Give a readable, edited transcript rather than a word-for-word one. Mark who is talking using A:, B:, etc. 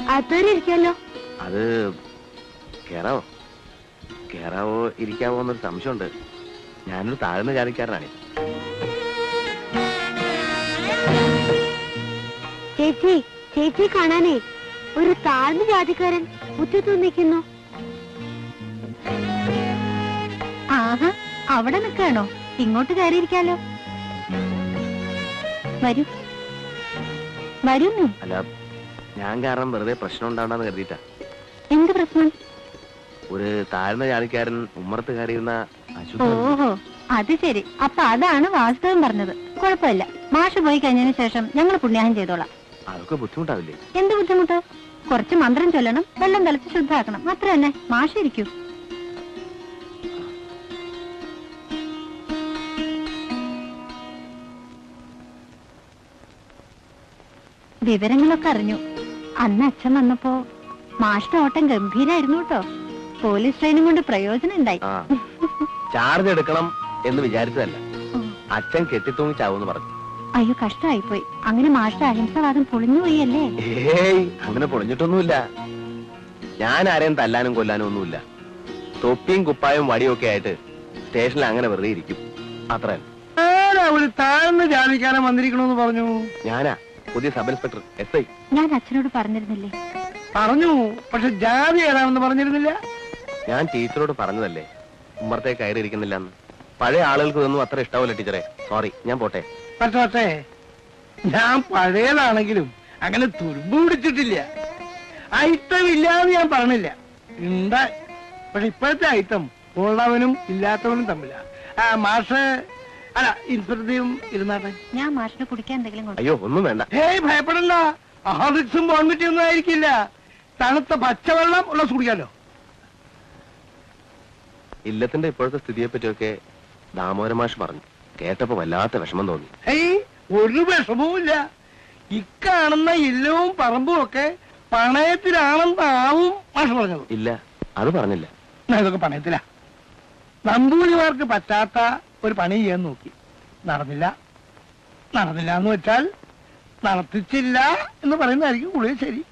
A: അകത്തോരെ ഇരിക്കാലോ.
B: അത് കേറാവോ കേറാവോ ഇരിക്കാവോ എന്നൊരു സംശയമുണ്ട്. ഞാനൊരു താഴ്ന്ന ജാതിക്കാരനാണ്.
A: ചേച്ചി ചേച്ചി കാണാനേ ഒരു താഴ്ന്ന ജാതിക്കാരൻ മുറ്റത്ത് നിൽക്കുന്നു. ആഹാ, അവിടെ നിൽക്കാണോ? ഇങ്ങോട്ട് കയറിയിരിക്കാലോ. വരൂ വരുന്നു.
B: അല്ല, ഞാൻ കാരണം വെറുതെ പ്രശ്നം ഉണ്ടാവണ്ടെന്ന് കരുതിയിട്ടാ.
A: എന്ത് പ്രശ്നം?
B: ഒരു താഴ്ന്ന ജാതിക്കാരൻ ഉമ്മറത്ത് കയറിയിരുന്ന
A: ഓഹോ, അത് ശരി. അപ്പൊ അതാണ് വാസ്തവം പറഞ്ഞത്. കുഴപ്പമില്ല, മാഷ് പോയി കഴിഞ്ഞതിന് ശേഷം ഞങ്ങൾ പുണ്യാഹം ചെയ്തോളാം.
B: അതൊക്കെ ബുദ്ധിമുട്ടാവില്ലേ?
A: എന്ത് ബുദ്ധിമുട്ട്? കുറച്ച് മന്ത്രം ചൊല്ലണം, വെള്ളം തളിച്ച് ശുദ്ധാക്കണം, അത്ര തന്നെ. മാഷ് ഇരിക്കൂ. വിവരങ്ങളൊക്കെ അറിഞ്ഞു. അന്ന് അച്ഛൻ വന്നപ്പോ മാഷിന്റെ ഓട്ടം ഗംഭീരായിരുന്നു കേട്ടോ. പോലീസ് ട്രെയിനും കൊണ്ട് പ്രയോജനം ഉണ്ടായി.
B: ചാർജ് എടുക്കണം എന്ന് വിചാരിച്ചതല്ല, അച്ഛൻ കെട്ടിത്തൂങ്ങി ചാവൂന്ന് പറഞ്ഞു.
A: അയ്യോ, കഷ്ടമായിപ്പോയി. അങ്ങനെ മാഷിന്റെ അഹിംസവാദം പൊളിഞ്ഞുപോയി അല്ലേ?
B: ഏയ്, അങ്ങനെ പൊളിഞ്ഞിട്ടൊന്നുമില്ല. ഞാൻ ആരെയും തല്ലാനും കൊല്ലാനും ഒന്നുമില്ല. തൊപ്പിയും കുപ്പായും വടിയും ഒക്കെ ആയിട്ട് സ്റ്റേഷനിൽ അങ്ങനെ വെറുതെ ഇരിക്കും, അത്ര.
C: താഴ്ന്ന് ജാതിക്കാരൻ വന്നിരിക്കണമെന്ന് പറഞ്ഞു.
B: ഞാനാ പുതിയ സബ് ഇൻസ്പെക്ടർ SI.
A: ഞാൻ അച്ഛനോട് പറഞ്ഞിരുന്നില്ലേ?
C: പറഞ്ഞു, പക്ഷെ ജാതി ഏതാണെന്ന് പറഞ്ഞിരുന്നില്ല.
B: ഞാൻ ടീച്ചറോട് പറഞ്ഞതല്ലേ ഉമ്മറത്തെ കയറി ഇരിക്കുന്നില്ലെന്ന്. പഴയ ആളുകൾക്ക് ഇതൊന്നും അത്ര ഇഷ്ടാവില്ല ടീച്ചറെ. സോറി, ഞാൻ പോട്ടെ.
C: പക്ഷേ ഞാൻ പഴയതാണെങ്കിലും അങ്ങനെ തുരുമ്പ് പിടിച്ചിട്ടില്ല. ഐറ്റം ഇല്ലാന്ന് ഞാൻ പറഞ്ഞില്ല, ഉണ്ട്. പക്ഷെ ഇപ്പോഴത്തെ ഐറ്റം ഉള്ളവനും ഇല്ലാത്തവനും തമ്മില. മാഷ് അല്ല, ഇൻസ്പെക്ടറും ഇരുന്നാട്ടെ.
A: ഞാൻ മാഷിനെ കുടിക്കാൻ എന്തെങ്കിലും
B: അയ്യോ, ഒന്നും വേണ്ട.
C: ഏയ്, ഭയപ്പെടണ്ട. ഹാർലിക്സും ബോൺവിറ്റും ഒന്നും ആയിരിക്കില്ല. തണുത്ത പച്ചവെള്ളം ഉള്ള കുടിക്കാലോ.
B: ഇല്ലത്തിന്റെ ഇപ്പോഴത്തെ സ്ഥിതിയെ പറ്റിയൊക്കെ ദാമോദരൻ മാഷ് പറഞ്ഞു. കേട്ടപ്പോ വല്ലാത്ത വിഷമം തോന്നി.
C: ഏയ്, ഒരു വിഷമവും ഇല്ല. ഇക്കാണുന്ന ഇല്ലവും പറമ്പും ഒക്കെ പണയത്തിലാണെന്നാവും മാഷ് പറഞ്ഞത്.
B: ഇല്ല, അത് പറഞ്ഞില്ല.
C: ഇതൊക്കെ പണയത്തിലാ. നമ്പൂതിരിമാർക്ക് പറ്റാത്ത ഒരു പണി ചെയ്യാൻ നോക്കി, നടന്നില്ല. നടന്നില്ല എന്ന് വെച്ചാൽ നടത്തിച്ചില്ല എന്ന് പറയുന്നതായിരിക്കും കൂടുതൽ ശരി.